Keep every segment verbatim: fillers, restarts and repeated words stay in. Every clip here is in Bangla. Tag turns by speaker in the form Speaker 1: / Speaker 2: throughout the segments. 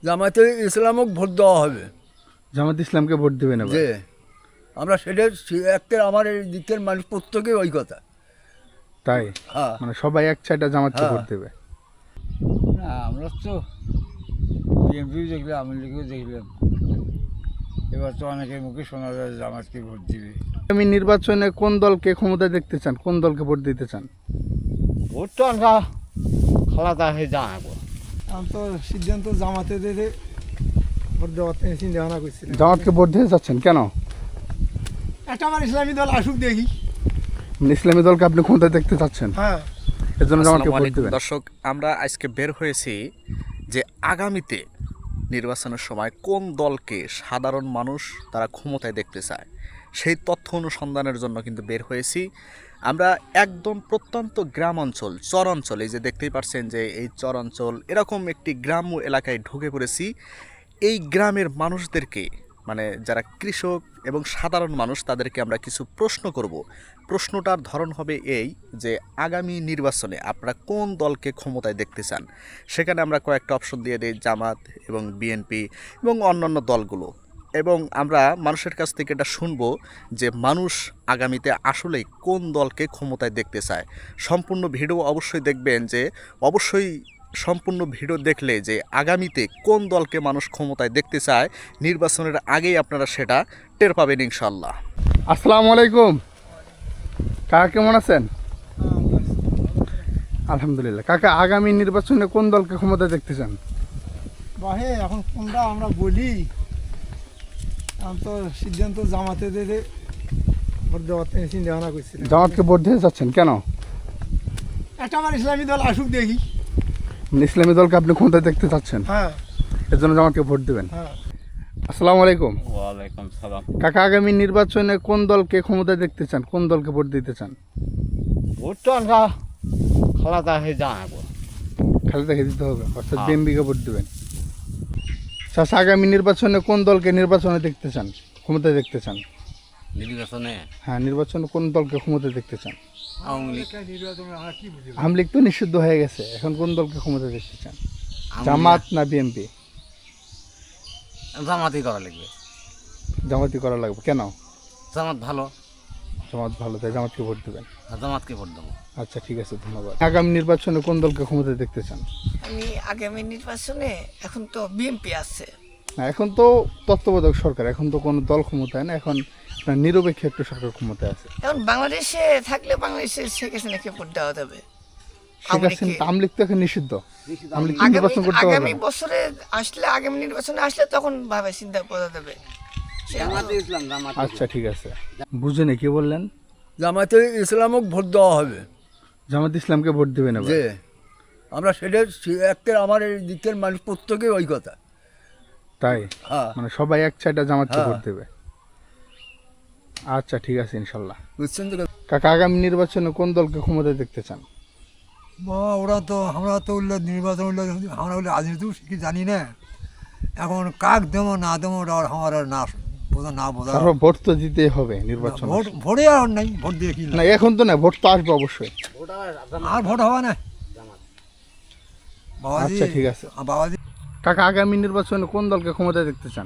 Speaker 1: জামাতে ইসলামক ভোট দেওয়া হবে।
Speaker 2: জামাত ইসলামকে ভোট দেবেন এবার?
Speaker 1: যে আমরা সেটা একটা আমার এই দিকের মানুষ প্রত্যেকে ওই কথা।
Speaker 2: তাই
Speaker 1: হ্যাঁ
Speaker 2: মানে সবাই এক চাইটা জামাতকে
Speaker 1: হ্যাঁ।
Speaker 2: ভোট দেবে?
Speaker 3: না আমরা তো বিএনপিও দেখলাম, আওয়ামী লীগও দেখলাম, এবার তো অনেকের মুখে শোনা যায় জামাতকে ভোট দিবে।
Speaker 2: আগামী নির্বাচনে কোন দলকে ক্ষমতায় দেখতে চান, কোন দলকে ভোট দিতে চান?
Speaker 3: ভোট তো আমরা খালাদা হয়ে জানাবো।
Speaker 4: আমি তো সিদ্ধান্ত জামাতে দিতে ভোট দেওয়ার থেকে চিন্তা ভাবনা করছিলাম।
Speaker 2: জামাতকে ভোট দিতে চাচ্ছেন কেন?
Speaker 4: একটা আমার ইসলামী দল আসুক দেখি।
Speaker 2: মানে ইসলামী দলকে আপনি ক্ষমতায় দেখতে চাচ্ছেন,
Speaker 4: হ্যাঁ
Speaker 2: এর জন্য জামাতকে
Speaker 5: আসসালামু
Speaker 2: ভোট
Speaker 5: আলাইকুম
Speaker 2: দেবেন?
Speaker 5: দর্শক, আমরা আজকে বের হয়েছি যে আগামীতে নির্বাচনের সময় কোন দলকে সাধারণ মানুষ তারা ক্ষমতায় দেখতে চায় সেই তথ্য অনুসন্ধানের জন্য কিন্তু বের হয়েছি। আমরা একদম প্রত্যন্ত গ্রাম অঞ্চল, চর অঞ্চল, এই যে দেখতেই পাচ্ছেন যে এই চর অঞ্চল, এরকম একটি গ্রাম্য এলাকায় ঢুকে পড়েছি। এই গ্রামের মানুষদেরকে, মানে যারা কৃষক এবং সাধারণ মানুষ, তাদেরকে আমরা কিছু প্রশ্ন করব। প্রশ্নটার ধরন হবে এই যে আগামী নির্বাচনে আপনারা কোন দলকে ক্ষমতায় দেখতে চান। সেখানে আমরা কয়েকটা অপশন দিয়ে দিই, জামাত এবং বিএনপি এবং অন্যান্য দলগুলো। এবং আমরা মানুষের কাছ থেকে এটা শুনবো যে মানুষ আগামীতে আসলেই কোন দলকে ক্ষমতায় দেখতে চায়। সম্পূর্ণ ভিডিও অবশ্যই দেখবেন, যে অবশ্যই সম্পূর্ণ ভিডিও দেখলে যে আগামীতে কোন দলকে মানুষ ক্ষমতায় দেখতে চায় নির্বাচনের আগেই আপনারা সেটা টের পাবেন ইনশাল্লাহ।
Speaker 2: আসসালামু আলাইকুম কাকা, কেমন আছেন? আলহামদুলিল্লাহ। কাকা, আগামী নির্বাচনে কোন দলকে ক্ষমতায় দেখতে চান?
Speaker 4: বাহে এখন কোনটা আমরা বলি, আমি তো সিদ্ধান্ত জামাতে দিতে ভোট দেওয়ার থেকে চিন্তা ভাবনা করছিলাম।
Speaker 2: জামাতকে ভোট দিতে চাচ্ছেন কেন?
Speaker 4: একটা আমার ইসলামী দল আসুক দেখি।
Speaker 2: মানে ইসলামী দলকে আপনি ক্ষমতায় দেখতে চাচ্ছেন,
Speaker 4: হ্যাঁ
Speaker 2: এর জন্য জামাতকে ভোট দেবেন?
Speaker 4: হ্যাঁ।
Speaker 2: আসসালামু আলাইকুম
Speaker 3: ওয়ালাইকুম সালাম।
Speaker 2: কাকা, আগামী নির্বাচনে কোন দলকে ক্ষমতায় দেখতে চান, কোন দলকে ভোট দিতে চান?
Speaker 3: ভোট তো আমরা খালাদা হয়ে জানাবো।
Speaker 2: খালেদাকে দিতে হবে, অর্থাৎ
Speaker 3: হ্যাঁ।
Speaker 2: বিএনপিকে ভোট দেবেন। চাচা, আগামী নির্বাচনে কোন দলকে নির্বাচনে দেখতে চান, ক্ষমতায় দেখতে চান?
Speaker 3: নির্বাচনে
Speaker 2: হ্যাঁ, নির্বাচনে কোন দলকে ক্ষমতায় দেখতে চান?
Speaker 3: আওয়ামী লীগ।
Speaker 4: নির্বাচনে আমরা কি বুঝি?
Speaker 2: আওয়ামী লীগ তো নিষিদ্ধ হয়ে গেছে, এখন কোন দলকে ক্ষমতায় দেখতে চান? জামাত না বিএনপি?
Speaker 3: জামাতই করা লাগবে।
Speaker 2: জামাতই করা লাগবে কেন?
Speaker 3: জামাত ভালো,
Speaker 2: জামাত ভালো, তাই জামাতকে ভোট দেবেন।
Speaker 3: জামাতকে ভোট দেবো।
Speaker 2: আচ্ছা, ঠিক আছে, ধন্যবাদ। আগামী নির্বাচনে কোন দলকে ক্ষমতায় দেখতে চান?
Speaker 6: আমি আগামী নির্বাচনে এখন তো বিএনপি আছে।
Speaker 2: না, এখন তো তত্ত্বাবধায়ক সরকার, এখন তো কোনো দল ক্ষমতায় না, এখন আপনার নিরপেক্ষ একটা সরকার ক্ষমতায় আছে।
Speaker 6: এখন বাংলাদেশে থাকলে বাংলাদেশে শেখ হাসিনাকে ভোট দেওয়া যাবে।
Speaker 2: শেখ হাসিনা, আওয়ামী লীগ তো এখন নিষিদ্ধ, আওয়ামী লীগ তো
Speaker 6: আগামী
Speaker 2: নির্বাচন করতে পারবে
Speaker 6: আগামী
Speaker 2: না।
Speaker 6: বছরে আসলে, আগামী নির্বাচনে আসলে তখন ভাবে চিন্তা করা যাবে।
Speaker 2: আচ্ছা, ঠিক আছে। বুঝেনি কি বললেন?
Speaker 1: জামাতে ইসলামক ভোট দেওয়া হবে।
Speaker 2: জামাত ইসলামকে ভোট দেবেন এবার?
Speaker 1: যে আমরা সেটা একটা আমার এই দিকের মানুষ প্রত্যেকে ওই কথা।
Speaker 2: তাই
Speaker 1: হ্যাঁ
Speaker 2: মানে সবাই এক চাইটা জামাতকে
Speaker 1: হ্যাঁ।
Speaker 2: ভোট দেবে? আচ্ছা, ঠিক আছে, ইনশাল্লাহ।
Speaker 1: বুঝছেন তো?
Speaker 2: কাকা, আগামী নির্বাচনে কোন দলকে ক্ষমতায় দেখতে চান?
Speaker 4: বাবা ওরা তো আমরা তো উল্লেখ নির্বাচন উল্লেখ আমরা উল্লেখ রাজনীতিও কি জানি না, এখন কাক দেবো না দেবো ওটা আর আমার আর না বোঝা না বোঝা।
Speaker 2: তারপর ভোট তো দিতেই হবে নির্বাচন।
Speaker 4: ভোট ভোটে আর নাই, ভোট দিয়ে কি
Speaker 2: না, এখন তো না, ভোট তো আসবে অবশ্যই।
Speaker 4: আর ভোট হবে না বাবাজি।
Speaker 2: আচ্ছা, ঠিক আছে।
Speaker 4: বাবাজি
Speaker 2: কাকা, আগামী নির্বাচনে কোন দলকে ক্ষমতায় দেখতে চান?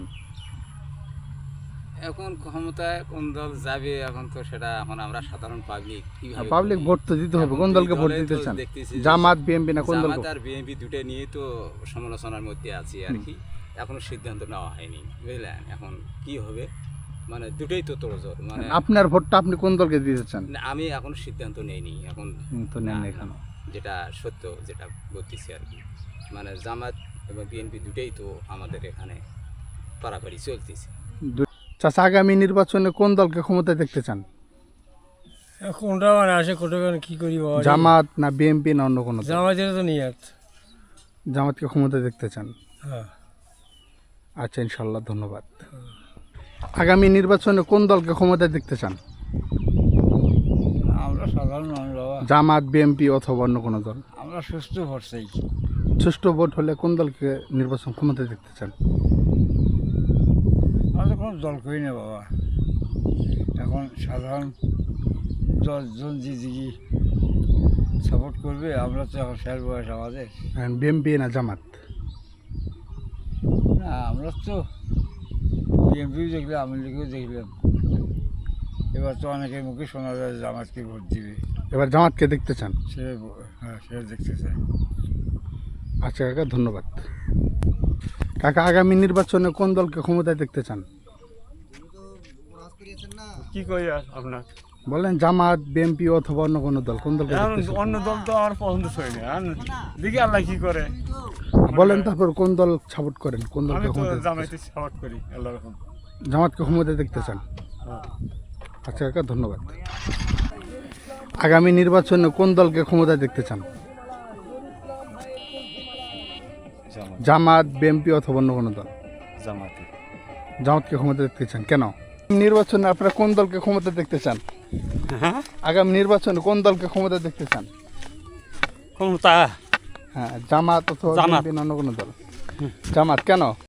Speaker 7: এখন ক্ষমতায় কোন দল যাবে এখন তো সেটা এখন আমরা সাধারণ পাবলিক কিভাবে
Speaker 2: পাবলিক
Speaker 7: বলবো?
Speaker 2: ভোট তো দিতে হবে,
Speaker 7: এখন
Speaker 2: কোন
Speaker 7: দুই
Speaker 2: দলকে ভোট
Speaker 7: দলে
Speaker 2: দিতে
Speaker 7: তো
Speaker 2: চান?
Speaker 7: দেখতেছি যে
Speaker 2: জামাত, বিএনপি না কোন দলকে?
Speaker 7: জামাত আর বিএনপি দুটো নিয়ে তো সমালোচনার মধ্যে আছি আর কি। এখনো সিদ্ধান্ত নেওয়া হয়নি, বুঝলেন? এখন কি হবে, মানে দুটোই তো তোড়জোড়, মানে
Speaker 2: আপনার ভোটটা আপনি কোন দলকে দিতে চান?
Speaker 7: না, আমি এখনো সিদ্ধান্ত নেইনি এখন।
Speaker 2: হুম, তো নেন
Speaker 7: না,
Speaker 2: না
Speaker 7: না,
Speaker 2: এখনো।
Speaker 7: যেটা সত্য যেটা বলতেছি আর কি, মানে জামাত এবং বিএনপি দুটোই তো আমাদের এখানে পারাপারি চলতেছে।
Speaker 2: দু- চাচা, আগামী নির্বাচনে কোন দলকে ক্ষমতায় দেখতে চান?
Speaker 3: কোনটা মানে আসে কোটা কি করি বাবা?
Speaker 2: জামাত না বিএনপি না অন্য কোনো দল?
Speaker 3: জামাতের তো নিয়াত।
Speaker 2: জামাতকে ক্ষমতায় দেখতে চান?
Speaker 3: হ্যাঁ।
Speaker 2: আচ্ছা, ইনশাল্লাহ, ধন্যবাদ। আগামী নির্বাচনে কোন দলকে ক্ষমতায় দেখতে চান?
Speaker 3: আমরা সাধারণ মানুষ বাবা,
Speaker 2: জামাত, বিএনপি অথবা অন্য কোনো দল?
Speaker 3: আমরা সুস্থ ভোট চাই।
Speaker 2: সুষ্ঠু ভোট হলে কোন দলকে নির্বাচন ক্ষমতায় দেখতে চান?
Speaker 3: আমরা তো কোনো দল করি না বাবা, এখন সাধারণ দশজন যে দিকে সাপোর্ট করবে, আমরা তো এখন শেষ বয়স আমাদের।
Speaker 2: বিএনপি না জামাত?
Speaker 3: না আমরা তো বিএনপিও দেখলাম আওয়ামী লীগও দেখলাম, এবার তো অনেকের মুখে শোনা যায় জামাতকে ভোট দিবে।
Speaker 2: এবার জামাতকে দেখতে চান?
Speaker 3: সে হ্যাঁ সে দেখতে চায়।
Speaker 2: আচ্ছা কাকা, ধন্যবাদ। কাকা, আগামী নির্বাচনে কোন দলকে ক্ষমতায় দেখতে চান?
Speaker 8: কি কই আর আপনার
Speaker 2: বলেন জামাত, বিএনপি অথবা অন্য কোনো দল, কোন দলকে
Speaker 8: এখন
Speaker 2: দেখতে চান?
Speaker 8: অন্য দল তো আমার পছন্দ হয়নি, আর দেখি আল্লাহ কি করে।
Speaker 2: বলেন তারপর কোন দল সাপোর্ট করেন, কোন
Speaker 8: আমি
Speaker 2: দলকে
Speaker 8: তো
Speaker 2: ক্ষমতায় দেখতে
Speaker 8: জামাইতে সাপোর্ট করি আল্লাহ রকম।
Speaker 2: চান? জামাতকে ক্ষমতায় দেখতে চান? আচ্ছা কাকা, ধন্যবাদ। আগামী নির্বাচনে কোন দলকে ক্ষমতায় দেখতে চান? জামাত, বিএনপি অথবা অন্য কোনো দল?
Speaker 8: জামাতে।
Speaker 2: জামাতকে ক্ষমতা দেখতে চান, কেন? নির্বাচনে আপনারা কোন দলকে ক্ষমতা দেখতে চান?
Speaker 8: হ্যাঁ,
Speaker 2: আগামী নির্বাচনে কোন দলকে ক্ষমতা দেখতে চান?
Speaker 8: ক্ষমতা
Speaker 2: হ্যাঁ, জামাত অথবা
Speaker 8: জামাত।
Speaker 2: বিএনপি না অন্য কোনো দল? জামাত, কেন?